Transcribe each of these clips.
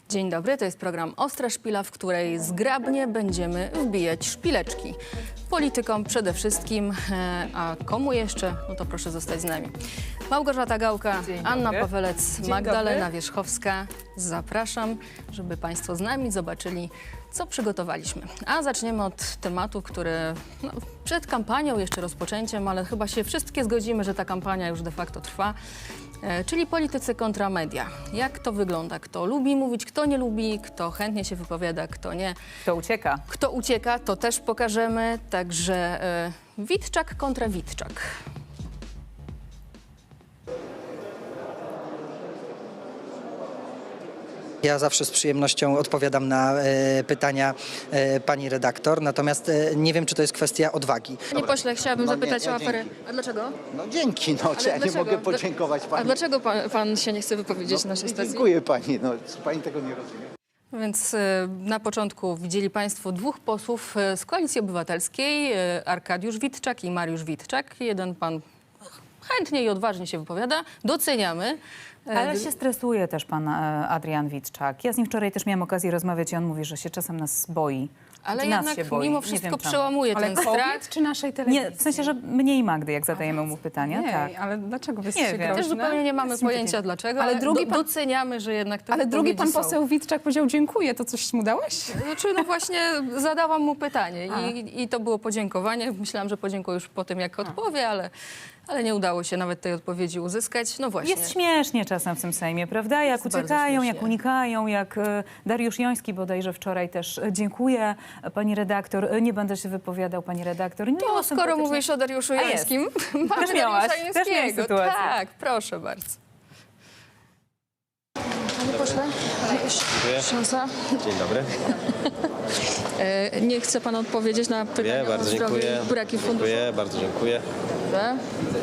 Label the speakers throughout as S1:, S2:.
S1: Dzień dobry, to jest program Ostra Szpila, w której zgrabnie będziemy wbijać szpileczki. Politykom przede wszystkim, a komu jeszcze? No to proszę zostać z nami. Małgorzata Gałka, Anna Pawelec, Magdalena Wierzchowska. Zapraszam, żeby Państwo z nami zobaczyli, co przygotowaliśmy. A zaczniemy od tematu, który przed kampanią, jeszcze rozpoczęciem, ale chyba się wszystkie zgodzimy, że ta kampania już de facto trwa. Czyli politycy kontra media. Jak to wygląda? Kto lubi mówić, kto nie lubi, kto chętnie się wypowiada, kto nie.
S2: Kto ucieka?
S1: Kto ucieka, to też pokażemy. Także Witczak kontra Witczak.
S3: Ja zawsze z przyjemnością odpowiadam na pytania pani redaktor, natomiast nie wiem, czy to jest kwestia odwagi.
S1: Panie pośle, chciałabym zapytać o aferę.
S4: dzięki.
S1: A dlaczego?
S4: No dzięki, no czy ja nie
S1: dlaczego?
S4: mogę podziękować
S1: A
S4: pani.
S1: dlaczego pan się nie chce wypowiedzieć na naszej stacji?
S4: Dziękuję pani, no pani tego nie rozumie.
S1: Więc na początku widzieli Państwo dwóch posłów z Koalicji Obywatelskiej, Arkadiusz Witczak i Mariusz Witczak. Jeden pan chętnie i odważnie się wypowiada, doceniamy.
S2: Ale się stresuje też pan Adrian Witczak. Ja z nim wczoraj też miałam okazję rozmawiać i on mówi, że się czasem nas boi.
S1: Ale
S2: nas
S1: jednak
S2: się boi.
S1: mimo
S2: Nie
S1: wszystko
S2: wiem czemu.
S1: przełamuje ten strach.
S5: czy naszej telewizji?
S2: Nie, w sensie, że mnie i Magdy, jak zadajemy mu pytania.
S5: Nie,
S2: Tak.
S5: ale dlaczego wy
S2: Nie
S5: jesteście
S2: wiem.
S1: Też
S5: groźne?
S1: zupełnie nie mamy pojęcia dlaczego,
S5: Ale
S1: ale
S5: drugi pan-
S1: doceniamy, że jednak te
S5: Ale drugi pan
S1: wypowiedzi są.
S5: poseł Witczak powiedział dziękuję, to coś mu dałeś?
S1: Znaczy, no właśnie zadałam mu pytanie i to było podziękowanie. Myślałam, że podziękuję już po tym, jak odpowie, ale nie udało się nawet tej odpowiedzi uzyskać. No właśnie.
S2: Jest śmiesznie czasem w tym Sejmie, prawda? Jak
S1: bardzo
S2: uciekają,
S1: śmiesznie.
S2: jak unikają, jak Dariusz Joński bodajże wczoraj też. Dziękuję, pani redaktor. Nie będę się wypowiadał, pani redaktor. Nie
S1: To
S2: było
S1: skoro
S2: sympatycznie.
S1: mówisz o Dariuszu
S2: jest.
S1: Jońskim, mamy
S2: Też miałaś,
S1: Dariusza
S2: też miałeś
S1: Jońskiego.
S2: sytuację.
S1: Tak, proszę bardzo. Panie pośle, szansa.
S6: Dzień dobry.
S1: Nie chce pan odpowiedzieć na pytanie
S6: Bardzo
S1: o zdrowie
S6: dziękuję.
S1: i braki funduszy?
S6: Dziękuję, bardzo dziękuję.
S1: Dobrze.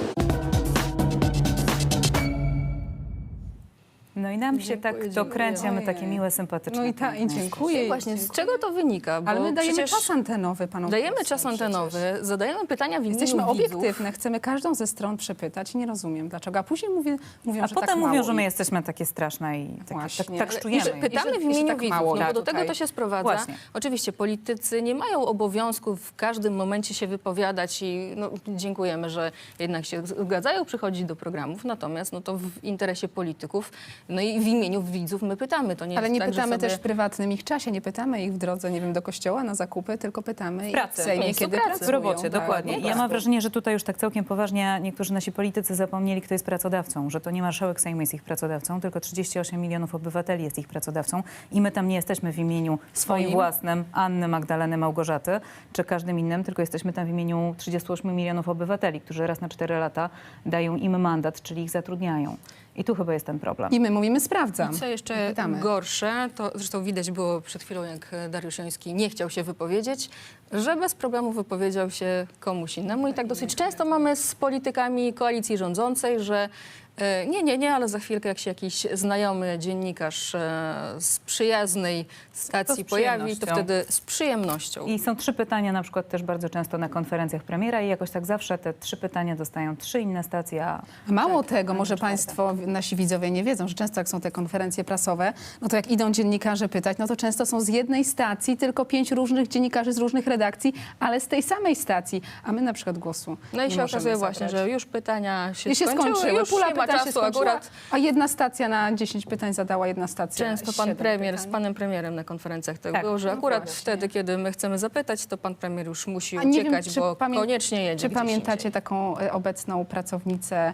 S2: No i nam się tak to kręci, a my takie
S5: Ojej.
S2: miłe, sympatyczne.
S5: No i dziękuję.
S1: Właśnie, z czego to wynika? Bo
S5: Ale my dajemy
S1: przecież
S5: czas antenowy panom.
S1: dajemy
S5: posłom
S1: czas antenowy, zadajemy pytania w imieniu
S5: Jesteśmy
S1: widzów.
S5: obiektywne, chcemy każdą ze stron przepytać i nie rozumiem dlaczego. A później mówią,
S2: A
S5: że
S2: potem
S5: tak
S2: mówią,
S5: mało
S2: że my
S5: ich.
S2: jesteśmy takie straszne i tak
S5: Właśnie.
S2: tak
S5: Ale-
S2: czujemy.
S1: Że pytamy w
S5: Jeżeli
S1: imieniu
S5: tak
S1: widzów,
S5: mało
S1: no bo do
S5: tutaj.
S1: tego to się sprowadza.
S2: Właśnie.
S1: Oczywiście politycy nie mają obowiązku w każdym momencie się wypowiadać i dziękujemy, że jednak się zgadzają przychodzić do programów, natomiast to w interesie polityków, no i w imieniu widzów my pytamy. To nie
S5: Ale
S1: jest
S5: nie
S1: tak,
S5: pytamy
S1: że sobie...
S5: też w prywatnym ich czasie, nie pytamy ich w drodze, nie wiem, do kościoła na zakupy, tylko pytamy ich w
S2: pracy.
S5: Sejmie,
S1: Miejscu
S5: kiedy
S1: pracy.
S5: pracują.
S2: W robocie,
S5: Tak,
S2: dokładnie.
S5: po
S2: Ja mam
S5: prostu.
S2: wrażenie, że tutaj już tak całkiem poważnie niektórzy nasi politycy zapomnieli, kto jest pracodawcą, że to nie marszałek Sejmu jest ich pracodawcą, tylko 38 milionów obywateli jest ich pracodawcą i my tam nie jesteśmy w imieniu swoim własnym, Anny, Magdaleny, Małgorzaty, czy każdym innym, tylko jesteśmy tam w imieniu 38 milionów obywateli, którzy raz na 4 lata dają im mandat, czyli ich zatrudniają. I tu chyba jest ten problem.
S5: I my mówimy sprawdzam.
S1: Co jeszcze
S5: Pytamy.
S1: gorsze, to zresztą widać było przed chwilą, jak Dariusz Joński nie chciał się wypowiedzieć, że bez problemu wypowiedział się komuś innemu. I tak dosyć często mamy z politykami koalicji rządzącej, że nie, ale za chwilkę jak się jakiś znajomy dziennikarz z przyjaznej stacji pojawi, to
S2: przyjemnością.
S1: wtedy z przyjemnością.
S2: I są 3 pytania na przykład też bardzo często na konferencjach premiera i jakoś tak zawsze te 3 pytania dostają 3 inne stacje.
S5: Mało tego, może państwo, nasi widzowie nie wiedzą, że często jak są te konferencje prasowe, no to jak idą dziennikarze pytać, no to często są z jednej stacji tylko 5 różnych dziennikarzy z różnych redakcji, ale z tej samej stacji, a my na przykład głosu
S1: No i
S5: nie
S1: się
S5: możemy
S1: okazuje właśnie,
S5: zabrać.
S1: że już pytania się
S5: I się skończyły,
S1: już
S5: pula
S1: nie ma
S5: pytań się
S1: czasu
S5: skończyła,
S1: akurat.
S5: a jedna stacja na 10 pytań zadała jedna stacja.
S1: Często pan
S5: 7
S1: premier z
S5: pytań.
S1: panem premierem na konferencjach tak
S2: Tak,
S1: było, że
S5: no
S1: akurat
S5: właśnie.
S1: wtedy, kiedy my chcemy zapytać, to pan premier już musi
S5: A nie wiem,
S1: uciekać,
S5: czy
S1: bo koniecznie jedzie
S5: Czy
S1: gdzieś
S5: pamiętacie
S1: indziej.
S5: taką obecną pracownicę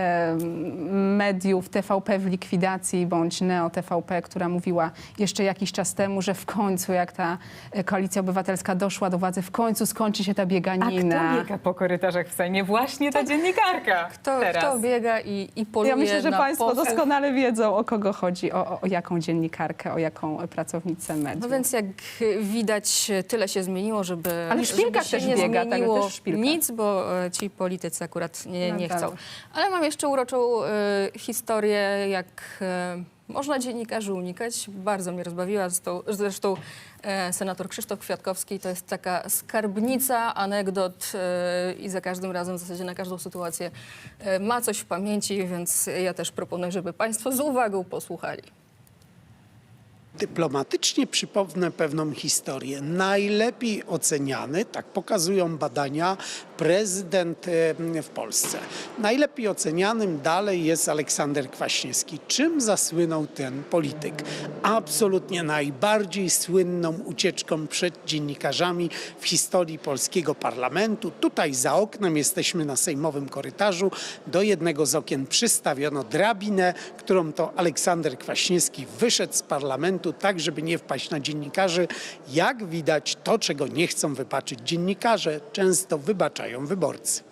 S5: mediów TVP w likwidacji bądź Neo TVP, która mówiła jeszcze jakiś czas temu, że w końcu jak ta Koalicja Obywatelska doszła do władzy, w końcu skończy się ta
S2: A
S5: bieganina.
S2: kto biega po korytarzach w Sejmie? Właśnie ta dziennikarka.
S1: Kto biega i poluje
S5: Ja myślę, że
S1: na
S5: państwo
S1: posłów.
S5: doskonale wiedzą, o kogo chodzi, o jaką dziennikarkę, o jaką pracownicę mediów.
S1: No więc jak widać, tyle się zmieniło, żeby,
S5: Ale w szpilkach
S1: żeby się
S5: też
S1: nie
S5: biega, także
S1: zmieniło
S5: też w szpilkach.
S1: nic, bo ci politycy akurat nie
S5: No
S1: chcą.
S5: tak.
S1: Ale mam jeszcze uroczą historię, jak można dziennikarzy unikać. Bardzo mnie rozbawiła. Zresztą senator Krzysztof Kwiatkowski to jest taka skarbnica anegdot i za każdym razem w zasadzie na każdą sytuację ma coś w pamięci, więc ja też proponuję, żeby państwo z uwagą posłuchali.
S6: Dyplomatycznie przypomnę pewną historię. Najlepiej oceniany, tak pokazują badania, prezydent w Polsce. Najlepiej ocenianym dalej jest Aleksander Kwaśniewski. Czym zasłynął ten polityk? Absolutnie najbardziej słynną ucieczką przed dziennikarzami w historii polskiego parlamentu. Tutaj za oknem jesteśmy na sejmowym korytarzu. Do jednego z okien przystawiono drabinę, którą to Aleksander Kwaśniewski wyszedł z parlamentu tak, żeby nie wpaść na dziennikarzy. Jak widać, to, czego nie chcą wybaczyć dziennikarze, często wybaczają wyborcy.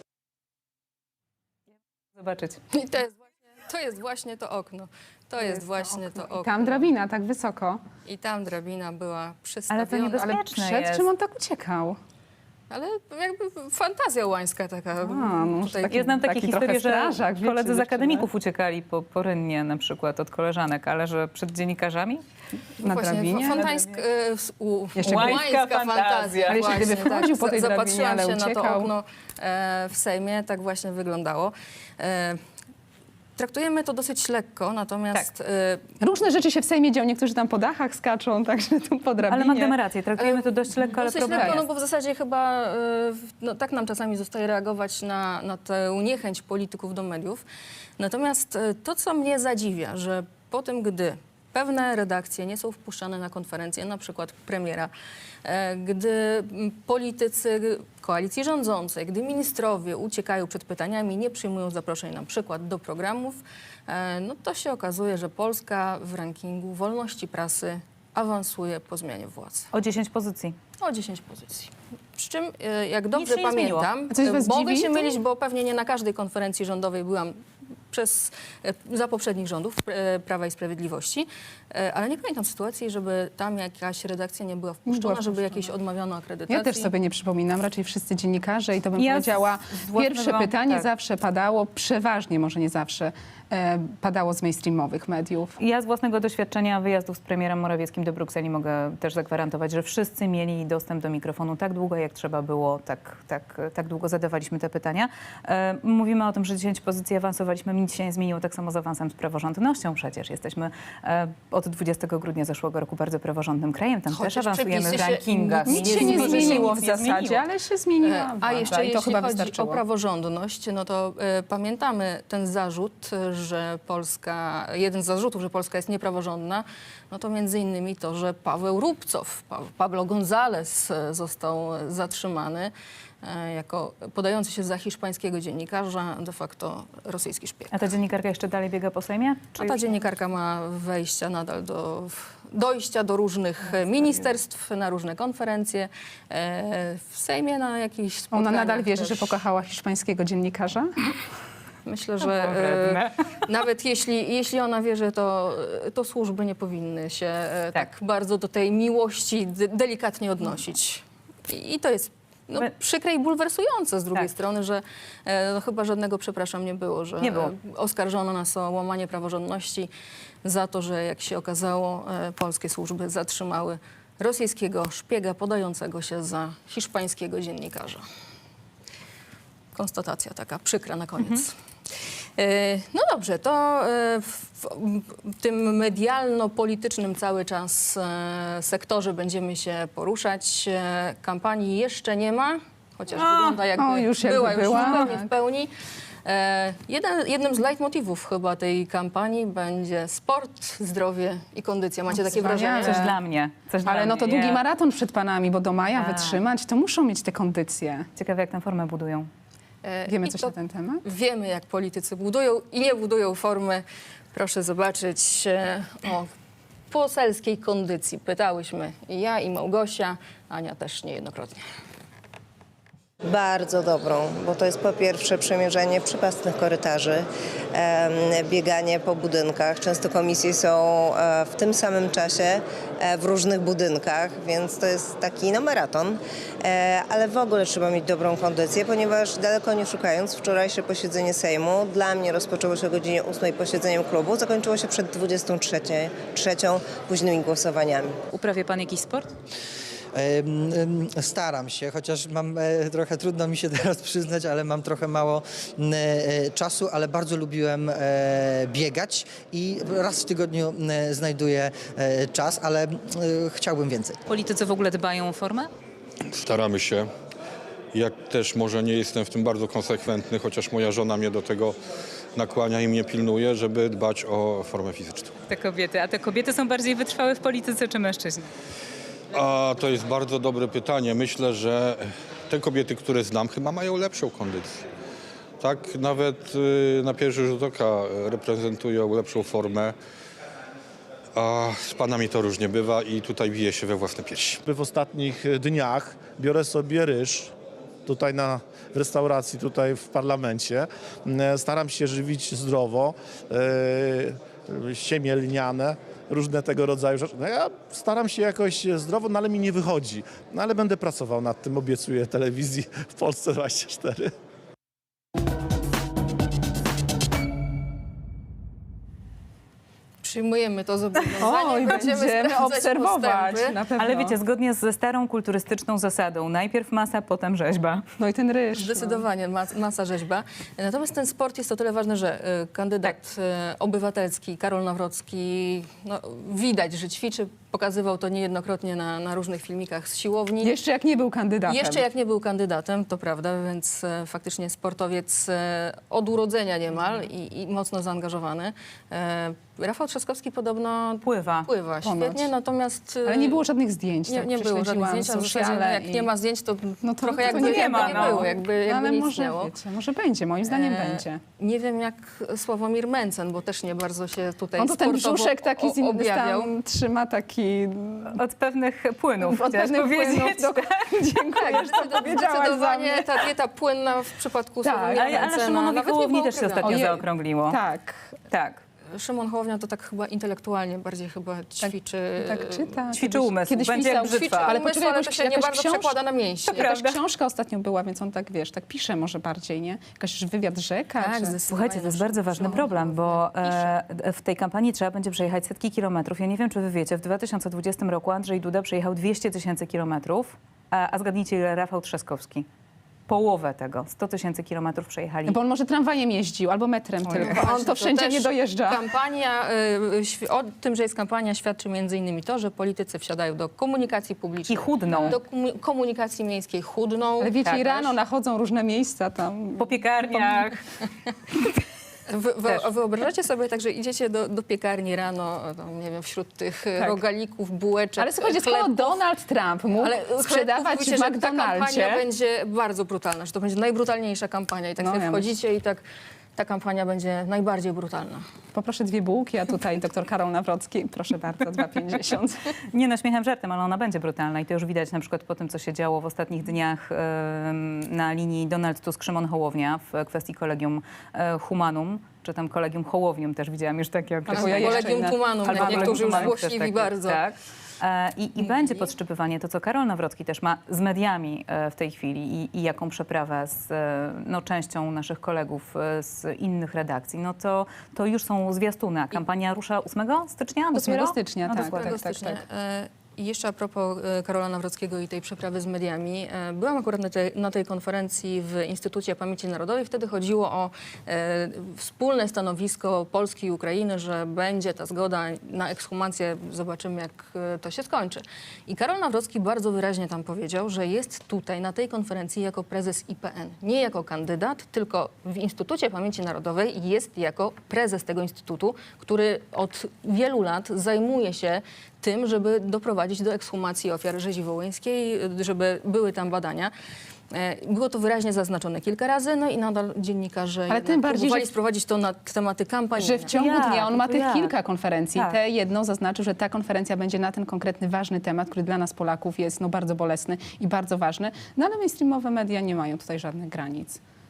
S2: Zobaczyć.
S1: I to jest właśnie to okno. To jest właśnie to okno.
S5: Tam drabina, tak wysoko.
S1: I tam drabina była
S2: Ale to
S1: przystawiona.
S2: niebezpieczne.
S5: Ale
S2: Bezpieczne
S5: przed
S2: jest.
S5: czym on tak uciekał?
S1: Ale jakby fantazja łańska taka.
S5: no,
S1: tutaj,
S5: taki-
S2: Ja znam takie
S5: Taki
S2: historie,
S5: trochę
S2: że
S5: strażak, wiecie,
S2: koledzy z
S5: dziewczyny.
S2: akademików uciekali po rynnie na przykład od koleżanek, ale że przed dziennikarzami?
S5: Na drabinie?
S2: Jeszcze
S1: łańska fantazja.
S5: Ale jeszcze gdyby
S1: Właśnie,
S5: wchodził po tej drabinie,
S1: zapatrzyłam
S5: ale
S1: się na to
S5: uciekał.
S1: okno w Sejmie, tak właśnie wyglądało. Traktujemy to dosyć lekko, natomiast
S5: Różne rzeczy się w Sejmie dzieją, niektórzy tam po dachach skaczą, także tu po drabinie.
S2: Ale Magda ma rację, traktujemy to dość lekko, ale
S1: dosyć
S2: problem
S1: lekko, no
S2: jest.
S1: bo w zasadzie chyba tak nam czasami zostaje reagować na tę niechęć polityków do mediów. Natomiast to, co mnie zadziwia, że po tym, gdy pewne redakcje nie są wpuszczane na konferencje, na przykład premiera, gdy politycy koalicji rządzącej, gdy ministrowie uciekają przed pytaniami, nie przyjmują zaproszeń na przykład do programów, no to się okazuje, że Polska w rankingu wolności prasy awansuje po zmianie władzy.
S2: O 10 pozycji.
S1: O 10 pozycji. Przy czym, jak dobrze
S2: się nie zmieniło.
S1: pamiętam,
S5: A coś was
S1: mogę
S5: dziwi
S1: się
S5: to?
S1: mylić, bo pewnie nie na każdej konferencji rządowej byłam za poprzednich rządów Prawa i Sprawiedliwości, ale nie pamiętam sytuacji, żeby tam jakaś redakcja nie była wpuszczona, żeby jakiejś odmawiano akredytacji.
S5: Ja też sobie nie przypominam, raczej wszyscy dziennikarze i to bym
S2: Ja
S5: powiedziała,
S2: z własnego-
S5: pierwsze pytanie
S2: tak.
S5: zawsze padało, przeważnie, może nie zawsze, padało z mainstreamowych mediów.
S2: Ja z własnego doświadczenia wyjazdów z premierem Morawieckim do Brukseli mogę też zagwarantować, że wszyscy mieli dostęp do mikrofonu tak długo, jak trzeba było, tak długo zadawaliśmy te pytania. Mówimy o tym, że 10 pozycji awansowaliśmy, nic się nie zmieniło, tak samo z awansem z praworządnością przecież. Jesteśmy od 20 grudnia zeszłego roku bardzo praworządnym krajem, tam
S1: Chociaż
S2: też awansujemy w
S1: przepisy się-
S2: rankingach.
S5: Nic się nie zmieniło w
S2: Nic nie
S5: zasadzie,
S2: zmieniło.
S5: ale się zmieniła
S1: A
S5: władza
S1: jeszcze
S5: i to
S1: jeśli
S5: chyba
S1: chodzi
S5: wystarczyło.
S1: o praworządność, no to pamiętamy ten zarzut, że Polska, jeden z zarzutów, że Polska jest niepraworządna, no to między innymi to, że Paweł Rubcow, Pablo González został zatrzymany jako podający się za hiszpańskiego dziennikarza, de facto rosyjski szpieg.
S2: A ta dziennikarka jeszcze dalej biega po Sejmie? Czy
S1: A ta
S2: już-
S1: dziennikarka ma wejścia nadal dojścia do różnych ministerstw, na różne konferencje, w Sejmie na jakichś
S5: Ona
S1: spotkaniach
S5: nadal wierzy,
S1: też.
S5: że pokochała hiszpańskiego dziennikarza?
S1: Myślę, że nawet jeśli ona wierzy, to służby nie powinny się tak bardzo do tej miłości delikatnie odnosić. I to jest przykre i bulwersujące z drugiej
S2: Tak.
S1: strony, że chyba żadnego przepraszam nie było, że
S2: Nie było.
S1: oskarżono nas o łamanie praworządności za to, że jak się okazało, polskie służby zatrzymały rosyjskiego szpiega podającego się za hiszpańskiego dziennikarza. Konstatacja taka przykra na koniec. No dobrze, to w tym medialno-politycznym cały czas sektorze będziemy się poruszać. Kampanii jeszcze nie ma, chociaż wygląda jakby
S5: już
S1: była
S5: jakby
S1: już
S5: była.
S1: zupełnie w pełni. Jednym z leitmotywów chyba tej kampanii będzie sport, zdrowie i kondycja. Macie takie
S5: wspaniale.
S1: wrażenie?
S2: Coś dla mnie. Coś dla
S5: Ale no to
S2: mnie.
S5: długi maraton przed panami, bo do maja
S2: Tak.
S5: wytrzymać, to muszą mieć te kondycje.
S2: Ciekawe, jak tę formę budują.
S5: Wiemy
S1: I
S5: coś
S1: to
S5: na ten temat?
S1: Wiemy, jak politycy budują i nie budują formy. Proszę zobaczyć o poselskiej kondycji. Pytałyśmy i ja, i Małgosia, Ania też niejednokrotnie.
S7: Bardzo dobrą, bo to jest po pierwsze przemierzanie przypastnych korytarzy, bieganie po budynkach. Często komisje są w tym samym czasie w różnych budynkach, więc to jest taki maraton. Ale w ogóle trzeba mieć dobrą kondycję, ponieważ daleko nie szukając, wczorajsze posiedzenie Sejmu dla mnie rozpoczęło się o godzinie 8 posiedzeniem klubu, zakończyło się przed 23 późnymi głosowaniami.
S2: Uprawia pan jakiś sport?
S3: Staram się, chociaż mam trochę trudno mi się teraz przyznać, ale mam trochę mało czasu, ale bardzo lubiłem biegać i raz w tygodniu znajduję czas, ale chciałbym więcej.
S2: Politycy w ogóle dbają o formę?
S8: Staramy się. Ja też może nie jestem w tym bardzo konsekwentny, chociaż moja żona mnie do tego nakłania i mnie pilnuje, żeby dbać o formę fizyczną.
S2: Te kobiety. A te kobiety są bardziej wytrwałe w polityce czy mężczyźni?
S8: A to jest bardzo dobre pytanie. Myślę, że te kobiety, które znam, chyba mają lepszą kondycję. Tak, nawet na pierwszy rzut oka reprezentują lepszą formę. A z panami to różnie bywa i tutaj bije się we własne piersi.
S9: W ostatnich dniach biorę sobie ryż tutaj w restauracji, tutaj w parlamencie. Staram się żywić zdrowo, siemię lniane, różne tego rodzaju rzeczy. No ja staram się jakoś zdrowo, no ale mi nie wychodzi. No ale będę pracował nad tym, obiecuję telewizji w Polsce 24.
S1: Przyjmujemy to zobowiązanie.
S5: Oj, będziemy
S1: sprawdzać
S5: obserwować.
S1: postępy.
S5: Na pewno.
S2: Ale wiecie, zgodnie ze starą kulturystyczną zasadą, najpierw masa, potem rzeźba.
S5: No i ten ryż.
S1: Zdecydowanie masa rzeźba. Natomiast ten sport jest o tyle ważny, że kandydat obywatelski Karol Nawrocki, no, widać, że ćwiczy, pokazywał to niejednokrotnie na różnych filmikach z siłowni.
S5: Jeszcze jak nie był kandydatem.
S1: Jeszcze jak nie był kandydatem, to prawda, więc faktycznie sportowiec od urodzenia niemal i mocno zaangażowany. Rafał Trzaskowski podobno
S2: Pływa.
S5: Ponoć.
S1: świetnie, natomiast...
S5: Ale nie było żadnych zdjęć.
S1: Nie,
S5: tak
S1: nie było żadnych
S5: prześledziłam
S1: zdjęć, a w zasadzie
S5: sociale
S1: jak
S5: i-
S1: nie ma zdjęć, to,
S5: No to
S1: trochę
S5: to
S1: jakby
S5: nie ma,
S1: nie
S5: no.
S1: było, jakby
S5: Ale
S1: nic
S5: może,
S1: istniało.
S5: wiecie, może będzie, moim zdaniem będzie.
S1: Nie wiem jak Sławomir Mencen, bo też nie bardzo się tutaj
S5: On to ten
S1: sportowo
S5: brzuszek taki z innym
S1: objawiał.
S5: tam trzyma taki...
S2: Od pewnych płynów,
S5: Od
S2: chciałaś
S5: pewnych
S2: powiedzieć.
S5: płynów. Dziękuję, że to powiedziałaś za
S1: Zdecydowanie
S5: mnie.
S1: ta dieta płynna w przypadku
S5: Tak,
S1: Sławomira
S2: Ale
S1: Mencena
S2: Szymonowi
S1: nawet nie
S2: Hołowni
S1: było
S2: też się
S1: uprawiane.
S2: ostatnio
S5: Ojej.
S2: zaokrągliło.
S5: Tak.
S2: Tak.
S1: Szymon Hołownia to tak chyba intelektualnie bardziej chyba ćwiczy.
S5: Tak czyta.
S2: Ćwiczy umysł,
S5: Kiedyś
S2: będzie jak
S5: pisał,
S2: brzytwa.
S1: Ale
S5: poczekaj,
S1: poczekaj, ale to się nie
S5: jakaś
S1: bardzo przekłada na mięśnie.
S5: Jakaś książka ostatnio była, więc on tak, wiesz, tak pisze może bardziej, nie? Jakaś wywiad rzeka.
S1: Tak,
S5: czy...
S1: zdecydowanie.
S2: Słuchajcie, to jest bardzo ważny
S1: Szymon
S2: problem, bo
S1: Hołownia
S2: w tej kampanii trzeba będzie przejechać setki kilometrów. Ja nie wiem, czy wy wiecie, w 2020 roku Andrzej Duda przejechał 200 000 kilometrów, a zgadnijcie, ile Rafał Trzaskowski. Połowę tego, 100 000 kilometrów przejechali.
S5: Bo on może tramwajem jeździł, albo metrem tylko.
S1: Właśnie,
S5: On to wszędzie
S1: też
S5: nie dojeżdża.
S1: Kampania, o tym, że jest kampania, świadczy między innymi to, że politycy wsiadają do komunikacji publicznej.
S2: I chudną.
S1: Do komunikacji miejskiej chudną.
S5: Ale wiecie,
S2: Tak,
S5: i rano
S1: też.
S5: nachodzą różne miejsca tam.
S2: Po piekarniach. Też.
S1: Wyobrażacie sobie tak, że idziecie do piekarni rano, tam, nie wiem, wśród tych rogalików, bułeczek,
S5: Ale słuchajcie, skoro
S1: chlebów,
S5: Donald Trump mógł sprzedawać
S1: mówicie,
S5: w
S1: że ta kampania
S5: McDonaldzie,
S1: będzie bardzo brutalna, że to będzie najbrutalniejsza kampania i tak
S5: No,
S1: sobie
S5: ja
S1: wchodzicie i tak ta kampania będzie najbardziej brutalna.
S5: poproszę 2 bułki, a tutaj doktor Karol Nawrocki, proszę bardzo, 2,50.
S2: Nie no, śmiechem żartem, ale ona będzie brutalna i to już widać na przykład po tym, co się działo w ostatnich dniach na linii Donald Tusk-Szymon Hołownia w kwestii Kolegium Humanum, czy tam Kolegium Hołownium też widziałam już takie
S5: Albo
S2: określenie.
S5: ja jeszcze
S1: Kolegium
S5: inne.
S1: Tumanum,
S2: Albo
S1: niektórzy już
S2: Kolegium Humanum też
S1: złośliwi
S2: takie,
S1: bardzo.
S2: Tak. I będzie podszczypywanie to, co Karol Nawrocki też ma z mediami w tej chwili i jaką przeprawę z częścią naszych kolegów z innych redakcji, no to już są zwiastuny. A kampania rusza 8 stycznia?
S5: 8
S2: dopiero?
S5: stycznia,
S2: No
S5: tak,
S2: dokładnie.
S5: tak, tak,
S1: stycznia.
S5: tak.
S1: I jeszcze a propos Karola Nawrockiego i tej przeprawy z mediami. Byłam akurat na tej konferencji w Instytucie Pamięci Narodowej. Wtedy chodziło o wspólne stanowisko Polski i Ukrainy, że będzie ta zgoda na ekshumację. Zobaczymy, jak to się skończy. I Karol Nawrocki bardzo wyraźnie tam powiedział, że jest tutaj na tej konferencji jako prezes IPN. Nie jako kandydat, tylko w Instytucie Pamięci Narodowej jest jako prezes tego instytutu, który od wielu lat zajmuje się tym, żeby doprowadzić do ekshumacji ofiar rzezi wołyńskiej, żeby były tam badania. Było to wyraźnie zaznaczone kilka razy, no i nadal dziennikarze
S5: Ale tym bardziej,
S1: próbowali
S5: że-
S1: sprowadzić to na tematy kampanii.
S5: Że w ciągu
S2: Jak?
S5: dnia on ma
S2: To
S5: tych
S2: jak?
S5: kilka konferencji.
S2: Tak.
S5: Tę jedną zaznaczył, że ta konferencja będzie na ten konkretny, ważny temat, który dla nas Polaków jest bardzo bolesny i bardzo ważny. No ale mainstreamowe media nie mają tutaj żadnych granic.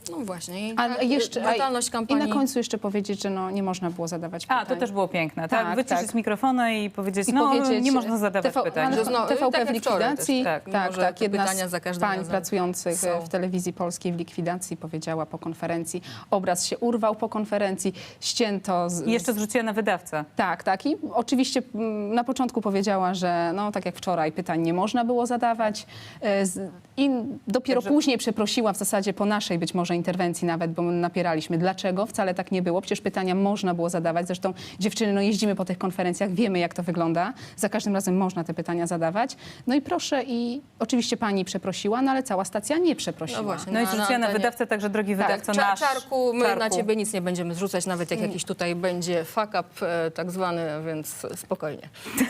S1: No właśnie. I
S5: A
S1: tak,
S5: jeszcze,
S1: brutalność
S5: I
S1: kampanii.
S5: na końcu jeszcze powiedzieć, że no, nie można było zadawać pytań.
S2: A, to też było piękne, tak?
S5: Tak,
S2: Wyciszyć
S5: tak.
S2: mikrofony i powiedzieć,
S5: I
S2: no
S5: powiedzieć,
S2: nie można zadawać pytań.
S1: Że znowu-
S5: TVP
S1: tak
S5: w
S1: jak wczoraj
S5: likwidacji.
S1: też, tak. Mimo, że te
S5: Jedna
S1: pytania
S5: z
S1: za każdym
S5: pań
S1: razem
S5: pracujących
S1: są.
S5: w telewizji polskiej w likwidacji powiedziała po konferencji, obraz się urwał po konferencji, ścięto
S2: I jeszcze zrzuciła na wydawcę.
S5: Tak. I oczywiście na początku powiedziała, że no tak jak wczoraj pytań nie można było zadawać i dopiero później przeprosiła w zasadzie po naszej być może interwencji nawet, bo my napieraliśmy. Dlaczego? Wcale tak nie było. Przecież pytania można było zadawać. Zresztą dziewczyny, no jeździmy po tych konferencjach, wiemy jak to wygląda. Za każdym razem można te pytania zadawać. No i proszę, i oczywiście pani przeprosiła, no ale cała stacja nie przeprosiła.
S1: No właśnie.
S2: No i
S1: Na
S2: zrzuciła na
S1: antenie.
S2: wydawcę, także drogi wydawco,
S1: Tak,
S2: nasz
S1: Czarku, my na
S2: Czarku.
S1: ciebie nic nie będziemy zrzucać, nawet jak jakiś tutaj będzie fuck up tak zwany, więc spokojnie.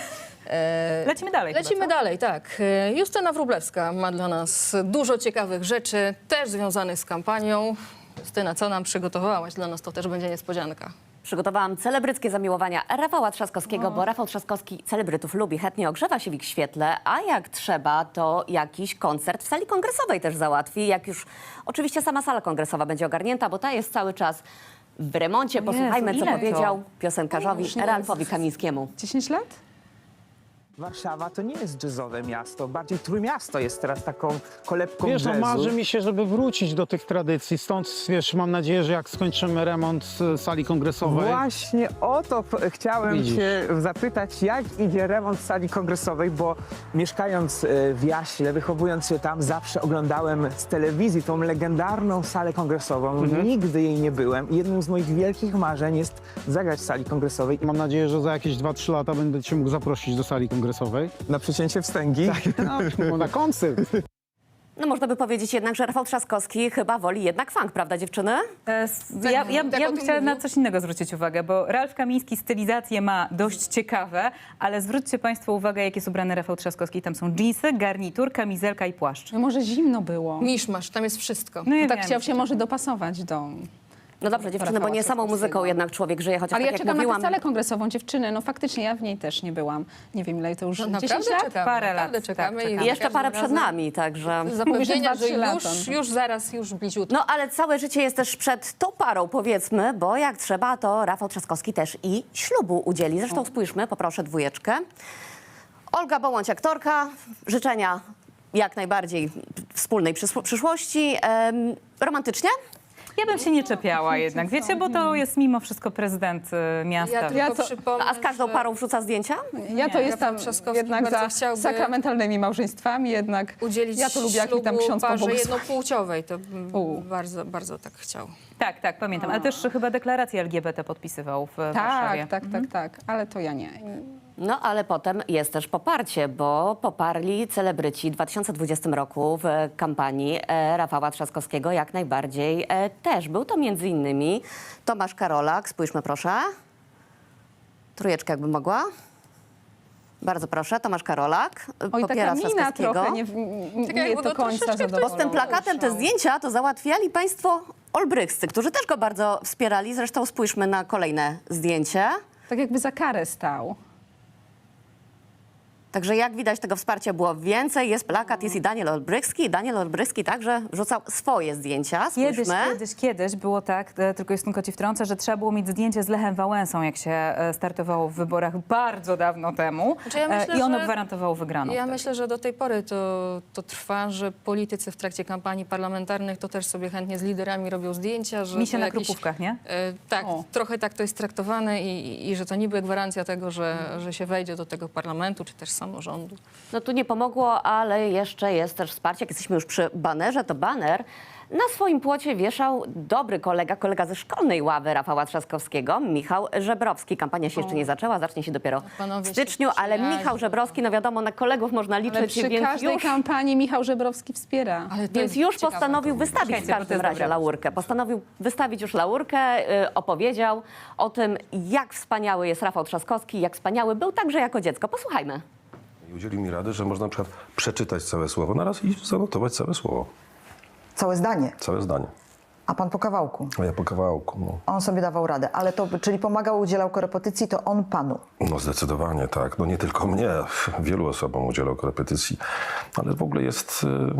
S2: Lecimy dalej.
S1: Lecimy
S2: chyba, co?
S1: dalej, tak. Justyna Wróblewska ma dla nas dużo ciekawych rzeczy, też związanych z kampanią. Justyna, co nam przygotowałaś dla nas? To też będzie niespodzianka.
S10: Przygotowałam celebryckie zamiłowania Rafała Trzaskowskiego, bo Rafał Trzaskowski celebrytów lubi, chętnie ogrzewa się w ich świetle, a jak trzeba, to jakiś koncert w sali kongresowej też załatwi. Jak już oczywiście sama sala kongresowa będzie ogarnięta, bo ta jest cały czas w remoncie.
S2: Jezu,
S10: Posłuchajmy, co
S2: ile to?
S10: powiedział piosenkarzowi
S5: już nie
S10: Ralfowi Kamińskiemu.
S5: 10 lat?
S11: Warszawa to nie jest jazzowe miasto, bardziej Trójmiasto jest teraz taką kolebką
S12: Wiesz, no
S11: jazzu.
S12: marzy mi się, żeby wrócić do tych tradycji, stąd wiesz, mam nadzieję, że jak skończymy remont sali kongresowej,
S11: Właśnie o to chciałem
S12: Widzisz.
S11: cię zapytać, jak idzie remont sali kongresowej, bo mieszkając w Jaśle, wychowując się tam, zawsze oglądałem z telewizji tą legendarną salę kongresową. Nigdy jej nie byłem i jednym z moich wielkich marzeń jest zagrać w sali kongresowej.
S12: mam nadzieję, że za jakieś 2-3 lata będę cię mógł zaprosić do sali kongresowej.
S11: Na przycięcie wstęgi.
S12: No, na koncert.
S10: No można by powiedzieć jednak, że Rafał Trzaskowski chyba woli jednak funk, prawda dziewczyny?
S2: Ja
S1: tak o
S2: bym
S1: tym
S2: chciała na
S1: mówił.
S2: coś innego zwrócić uwagę, bo Ralf Kamiński stylizacje ma dość ciekawe, ale zwróćcie Państwo uwagę, jak jest ubrany Rafał Trzaskowski. Tam są dżinsy, garnitur, kamizelka i płaszcz.
S5: No może zimno było.
S1: Miszmasz, tam jest wszystko.
S2: No ja
S5: Tak
S2: wiem.
S5: chciał się może dopasować do...
S10: No dobrze dziewczyny, bo
S5: Rafała
S10: nie samą
S5: Trzaskowskiego.
S10: muzyką jednak człowiek żyje, chociaż
S5: Ale
S10: tak
S5: ja
S10: jak
S5: czekam
S10: mówiłam...
S5: na tę salę kongresową, dziewczyny. No faktycznie ja w niej też nie byłam. Nie wiem ile to już...
S1: No,
S5: 10
S1: naprawdę
S5: lat?
S1: czekamy.
S2: Parę
S1: naprawdę
S2: lat,
S1: czekamy.
S2: tak,
S1: i
S10: I jeszcze
S1: każdym
S10: parę przed
S1: razem
S10: nami, także...
S1: Zapewnienia, że
S5: 2-3 lata.
S1: już zaraz, już bliziutko.
S10: No ale całe życie jest też przed tą parą, powiedzmy, bo jak trzeba, to Rafał Trzaskowski też i ślubu udzieli. Zresztą spójrzmy, poproszę dwójeczkę. Olga Bołądź, aktorka. Życzenia jak najbardziej wspólnej przyszłości. Romantycznie?
S2: Ja bym się nie czepiała jednak, wiecie, bo to jest mimo wszystko prezydent miasta.
S1: Ja tylko
S5: to-
S1: przypomnę,
S10: A z każdą
S1: że
S10: parą wrzuca zdjęcia?
S5: Ja to jestem
S1: Rafał Trzaskowski
S5: jednak
S1: bardzo
S5: za
S1: chciałby
S5: sakramentalnymi małżeństwami, jednak
S1: udzielić
S5: ja to lubię, jak mi tam
S1: ślubu
S5: ksiądz
S1: parze
S5: pobłogosławi.
S1: jednopłciowej. To
S5: U.
S1: bardzo, bardzo tak chciał.
S2: Tak, pamiętam. Ale też chyba deklarację LGBT podpisywał w Warszawie.
S5: Tak, ale to ja nie.
S10: No ale potem jest też poparcie, bo poparli celebryci w 2020 roku w kampanii Rafała Trzaskowskiego jak najbardziej też. Był to między innymi Tomasz Karolak, spójrzmy proszę. Trójeczkę jakby mogła. Bardzo proszę, Tomasz Karolak
S5: Oj,
S10: popiera
S5: taka mina
S10: Trzaskowskiego.
S5: trochę,
S1: Tak
S5: nie
S1: jakby
S5: do
S1: go
S5: końca
S1: troszeczkę
S5: zadowolona.
S10: Bo z tym plakatem te zdjęcia to załatwiali państwo olbrychscy, którzy też go bardzo wspierali. Zresztą spójrzmy na kolejne zdjęcie.
S5: Tak jakby za karę stał.
S10: Także jak widać, tego wsparcia było więcej. Jest plakat, jest i Daniel Olbrychski. Daniel Olbrychski także wrzucał swoje zdjęcia. Spójrzmy.
S2: Kiedyś było tak, tylko Justynko ci wtrącę, że trzeba było mieć zdjęcie z Lechem Wałęsą, jak się startowało w wyborach bardzo dawno temu.
S1: Znaczy ja myślę,
S2: I ono
S1: że-
S2: gwarantowało wygraną.
S1: Ja myślę, że do tej pory to trwa, że politycy w trakcie kampanii parlamentarnych to też sobie chętnie z liderami robią zdjęcia. Że
S2: Mi się
S1: to
S2: na
S1: jakiś-
S2: krupówkach, nie?
S1: Tak,
S5: O.
S1: trochę tak to jest traktowane i że to niby gwarancja tego, że się wejdzie do tego parlamentu czy też samorządu.
S10: No tu nie pomogło, ale jeszcze jest też wsparcie. Jak jesteśmy już przy banerze, to baner na swoim płocie wieszał dobry kolega ze szkolnej ławy Rafała Trzaskowskiego, Michał Żebrowski. Kampania się jeszcze nie zaczęła, zacznie się dopiero
S1: Panowie
S10: w
S1: się
S10: styczniu, ale
S1: przyjaźnią.
S10: Michał Żebrowski, no wiadomo, na kolegów można
S5: Ale
S10: liczyć,
S5: przy
S10: więc
S5: każdej
S10: już...
S5: kampanii Michał Żebrowski wspiera.
S1: Ale to
S10: Więc
S1: jest
S10: już
S1: ciekawe.
S10: postanowił wystawić w
S2: Czekajcie, bo to
S10: każdym
S2: jest
S10: razie
S2: dobra.
S10: laurkę. Postanowił wystawić już laurkę, opowiedział o tym, jak wspaniały jest Rafał Trzaskowski, jak wspaniały był także jako dziecko. Posłuchajmy.
S13: I udzielił mi rady, że można na przykład przeczytać całe słowo naraz i zanotować całe słowo,
S14: Całe zdanie,
S13: całe zdanie.
S14: a pan po kawałku.
S13: A ja po kawałku, no.
S14: On sobie dawał radę, ale to, czyli pomagał, udzielał korepetycji, to on panu.
S13: No zdecydowanie tak. No nie tylko mnie, wielu osobom udzielał korepetycji, ale w ogóle jest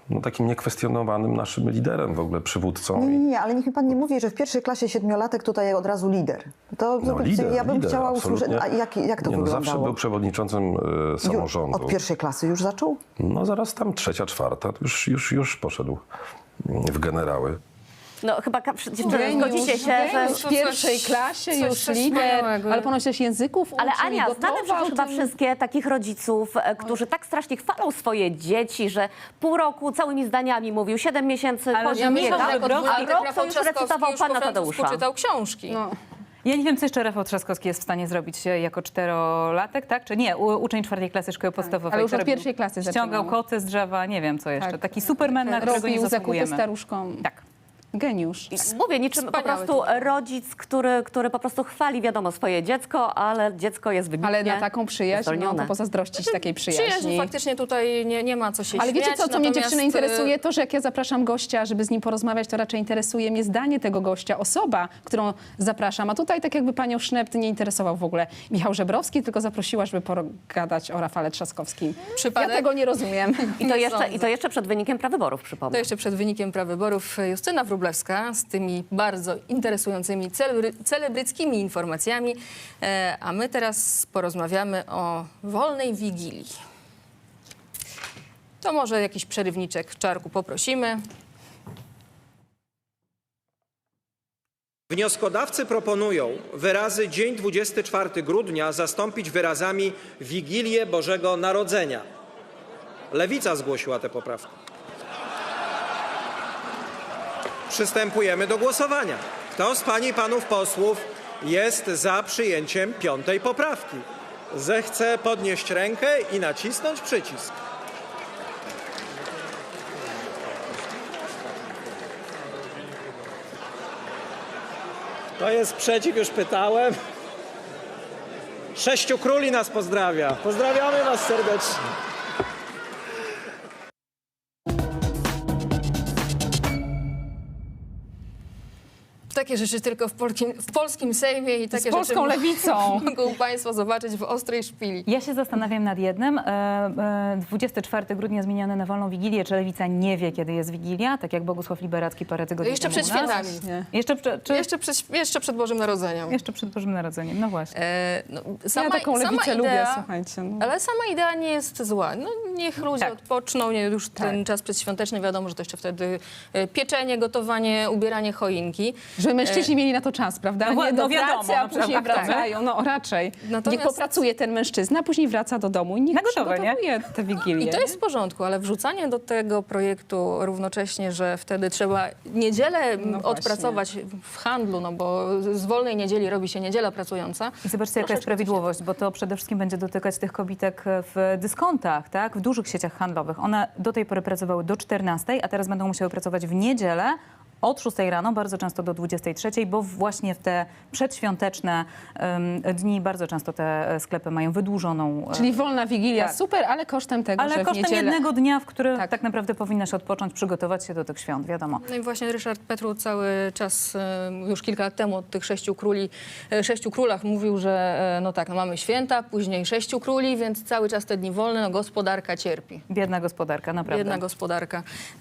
S13: no, takim niekwestionowanym naszym liderem, w ogóle przywódcą.
S14: Nie, ale niech mi pan nie mówi, że w pierwszej klasie 7-latek tutaj od razu lider. To ja bym chciała usłyszeć, a jak to
S13: no,
S14: wyglądało?
S13: zawsze był przewodniczącym samorządu.
S14: Od pierwszej klasy już zaczął?
S13: No zaraz tam 3., 4., to już poszedł w generały.
S10: No chyba dziewczyny, zgodzicie się, że...
S5: w pierwszej klasie już
S1: coś
S5: lider,
S1: wspaniałego.
S5: ale ponoć też języków
S10: Ale
S5: uczył,
S10: Ania, znamy
S5: gotował
S10: przecież chyba
S5: tym.
S10: wszystkie takich rodziców, którzy tak strasznie chwalą swoje dzieci, że pół roku całymi zdaniami mówił, 7 miesięcy
S2: Ale
S10: chodzi
S2: ja
S10: nie
S2: myślę,
S10: tak,
S2: że
S10: a rok to już recytował pana Tadeusza.
S1: Poczytał książki.
S5: No.
S2: Ja nie wiem, co jeszcze Rafał Trzaskowski jest w stanie zrobić jako 4-latek, tak? Czy nie? Uczeń 4. klasy szkoły podstawowej.
S5: ale już
S2: co
S5: od
S2: robił?
S5: pierwszej klasy
S2: Ściągał
S5: zaczynał.
S2: koty z drzewa, nie wiem co jeszcze.
S5: Tak.
S2: Taki superman, na którego nie
S5: Robił zakupy
S2: zasługujemy.
S5: staruszkom.
S2: Tak.
S5: Geniusz.
S10: Mówię, niczym po
S1: Wspaniały
S10: prostu
S1: typ.
S10: rodzic, który po prostu chwali, wiadomo, swoje dziecko, ale dziecko jest wybitnie
S5: Ale na taką przyjaźń, no,
S10: zdolnione.
S5: to pozazdrościć takiej przyjaźni.
S1: Przyjaźń faktycznie tutaj nie ma co się
S5: Ale
S1: śmiać.
S5: wiecie co mnie
S1: natomiast,
S5: dziewczyny interesuje? To, że jak ja zapraszam gościa, żeby z nim porozmawiać, to raczej interesuje mnie zdanie tego gościa, osoba, którą zapraszam. A tutaj tak jakby panią Szept nie interesował w ogóle Michał Żebrowski, tylko zaprosiła, żeby pogadać o Rafale Trzaskowskim.
S1: Przypadek?
S5: Ja tego nie rozumiem.
S10: I to jeszcze przed wynikiem prawyborów,
S1: To
S10: przypomnę.
S1: jeszcze przed wynikiem prawyborów Justyna Wróblewska z tymi bardzo interesującymi, celebryckimi informacjami. A my teraz porozmawiamy o wolnej Wigilii. To może jakiś przerywniczek, Czarku, poprosimy.
S15: Wnioskodawcy proponują wyrazy dzień 24 grudnia zastąpić wyrazami Wigilię Bożego Narodzenia. Lewica zgłosiła tę poprawkę. Przystępujemy do głosowania. Kto z pań i panów posłów jest za przyjęciem 5. poprawki? Zechce podnieść rękę i nacisnąć przycisk. To jest przeciw, już pytałem. 6 króli nas pozdrawia. Pozdrawiamy was serdecznie.
S1: Takie rzeczy tylko w polskim Sejmie i takie
S5: Z polską
S1: rzeczy
S5: lewicą.
S1: mogą państwo zobaczyć w ostrej szpili.
S2: Ja się zastanawiam nad jednym. 24 grudnia zmienione na wolną Wigilię. Czy Lewica nie wie, kiedy jest Wigilia? Tak jak Bogusław Liberacki parę tygodni
S1: Jeszcze
S2: temu
S1: przed
S2: u nas?
S1: świętami.
S5: Nie.
S2: Jeszcze
S1: Jeszcze przed Bożym Narodzeniem.
S2: Jeszcze przed Bożym Narodzeniem, no właśnie.
S5: Ja taką lewicę
S1: idea,
S5: lubię, słuchajcie. No.
S1: Ale sama idea nie jest zła. No, niech ludzie
S2: Tak.
S1: odpoczną, już ten czas przedświąteczny, wiadomo, że to jeszcze wtedy pieczenie, gotowanie, ubieranie choinki.
S5: Żeby mężczyźni mieli na to czas, prawda?
S2: No
S5: Nie do
S2: wiadomo,
S5: pracy, a
S2: no
S5: później
S2: prawda, tak.
S5: wracają. No raczej.
S1: Natomiast-
S5: Niech popracuje ten mężczyzna, a później wraca do domu i niech
S2: Na gotowe, nie?
S5: przygotowuje tę Wigilię.
S1: I to jest w porządku, ale wrzucanie do tego projektu równocześnie, że wtedy trzeba niedzielę odpracować w handlu, no bo z wolnej niedzieli robi się niedziela pracująca.
S2: I zobaczcie, jaka jest prawidłowość, bo to przede wszystkim będzie dotykać tych kobitek w dyskontach, tak? W dużych sieciach handlowych. One do tej pory pracowały do 14, a teraz będą musiały pracować w niedzielę od 6 rano, bardzo często do 23, bo właśnie w te przedświąteczne dni bardzo często te sklepy mają wydłużoną...
S5: Czyli wolna Wigilia,
S2: Tak.
S5: super, ale kosztem tego,
S2: ale
S5: że w
S2: kosztem
S5: niedzielę...
S2: jednego dnia, w którym tak naprawdę powinnaś odpocząć, przygotować się do tych świąt, wiadomo.
S1: No i właśnie Ryszard Petru cały czas, już kilka lat temu, od tych 6 królach mówił, że no tak, no mamy święta, później 6 króli, więc cały czas te dni wolne, no gospodarka cierpi.
S2: Biedna gospodarka, naprawdę.
S1: Biedna gospodarka.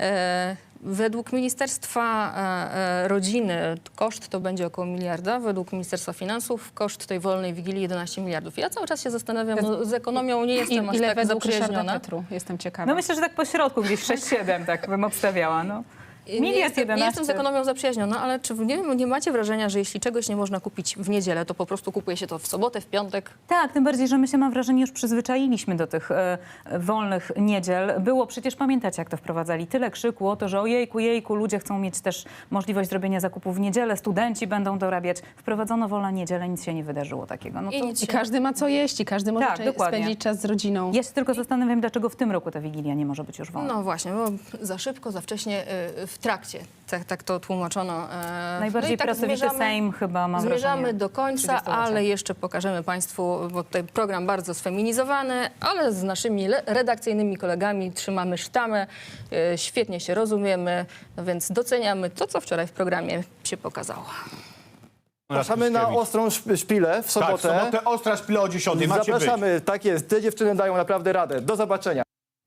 S1: Według Ministerstwa Rodziny koszt to będzie około miliarda, według Ministerstwa Finansów koszt tej wolnej Wigilii 11 miliardów. Ja cały czas się zastanawiam, no, z ekonomią nie jestem aż
S5: Ile
S1: tak
S5: według Ryszarda
S1: zaprzyjaźniona.
S5: Petru? Jestem ciekawa.
S2: No myślę, że tak po środku, gdzieś 6-7 tak bym obstawiała, no.
S1: Nie jestem z ekonomią zaprzyjaźniona, ale czy nie macie wrażenia, że jeśli czegoś nie można kupić w niedzielę, to po prostu kupuje się to w sobotę, w piątek?
S2: Tak, tym bardziej, że my się, mam wrażenie, już przyzwyczailiśmy do tych wolnych niedziel. Było przecież, pamiętacie, jak to wprowadzali, tyle krzyku o to, że ojejku, jejku, ludzie chcą mieć też możliwość zrobienia zakupów w niedzielę, studenci będą dorabiać. Wprowadzono wolna niedzielę, nic się nie wydarzyło takiego. No to...
S5: I każdy ma co jeść i każdy może
S2: Tak, dokładnie.
S5: spędzić czas z rodziną.
S2: Ja się tylko zastanawiam, dlaczego w tym roku ta Wigilia nie może być już wolna.
S1: No właśnie, bo za szybko, za wcześnie, w trakcie. Tak to tłumaczono.
S2: Najbardziej
S1: no i tak
S2: pracowity Sejm chyba, mam
S1: Zmierzamy
S2: wrażenie,
S1: do końca,
S2: 30-lecia.
S1: ale jeszcze pokażemy Państwu, bo tutaj program bardzo sfeminizowany, ale z naszymi redakcyjnymi kolegami trzymamy sztamę, świetnie się rozumiemy, no więc doceniamy to, co wczoraj w programie się pokazało.
S16: Zapraszamy na Ostrą Szpilę w sobotę.
S17: Tak, w sobotę Ostra Szpila o 10:00. Macie
S16: Zapraszamy, tak jest. Te dziewczyny dają naprawdę radę. Do zobaczenia.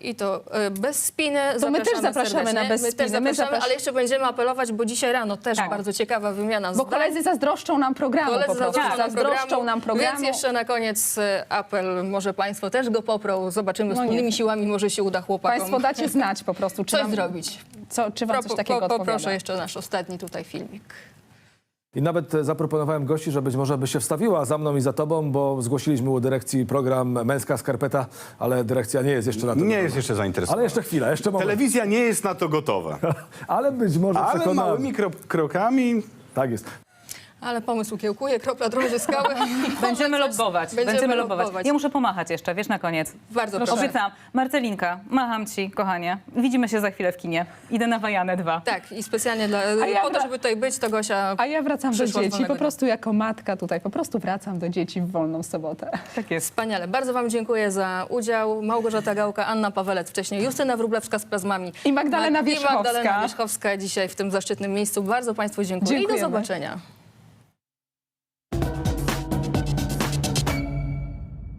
S1: I to bez spiny.
S5: To my też zapraszamy
S1: serdecznie.
S5: na bez
S1: My też
S5: spiny.
S1: zapraszamy, ale jeszcze będziemy apelować, bo dzisiaj rano też bardzo ciekawa wymiana
S5: Bo
S1: zdań.
S5: koledzy zazdroszczą nam programu po prostu. Zazdroszczą nam programu.
S1: Więc jeszcze na koniec apel, może państwo też go poprą. Zobaczymy wspólnymi siłami, może się uda chłopakom.
S5: Państwo dacie znać po prostu, czy
S1: coś
S5: wam,
S1: zrobić.
S5: Czy wam coś takiego odpowiada.
S1: Poproszę jeszcze nasz ostatni tutaj filmik.
S17: I nawet zaproponowałem gości, że być może by się wstawiła za mną i za tobą, bo zgłosiliśmy u dyrekcji program Męska Skarpeta, ale dyrekcja nie jest jeszcze na to
S18: Nie jest jeszcze zainteresowana.
S17: Ale jeszcze chwilę, jeszcze moment.
S18: Telewizja nie jest na to gotowa.
S17: Ale być może
S18: Ale
S17: przekonamy.
S18: małymi krokami.
S17: Tak jest.
S1: Ale pomysł kiełkuje, kropla drąży skały.
S2: Będziemy lobbować.
S1: Będziemy lobbować.
S2: Ja muszę pomachać jeszcze, wiesz, na koniec.
S1: Bardzo proszę.
S2: Obiecałam. Marcelinka, macham ci, kochanie. Widzimy się za chwilę w kinie. Idę na Wajanę 2.
S1: Tak, i specjalnie po to, żeby tutaj być, to Gosia
S5: A ja wracam do
S1: przyszła z
S5: dzieci,
S1: wolnego
S5: po prostu jako matka tutaj, po prostu wracam do dzieci w wolną sobotę.
S2: Tak jest.
S1: Wspaniale. Bardzo wam dziękuję za udział. Małgorzata Gałka, Anna Pawelec wcześniej, Justyna Wróblewska z Plazmami.
S5: I Magdalena Wierzchowska.
S1: I Magdalena Wierzchowska dzisiaj w tym zaszczytnym miejscu. Bardzo państwu dziękuję. I do
S5: Dziękujemy.
S1: zobaczenia.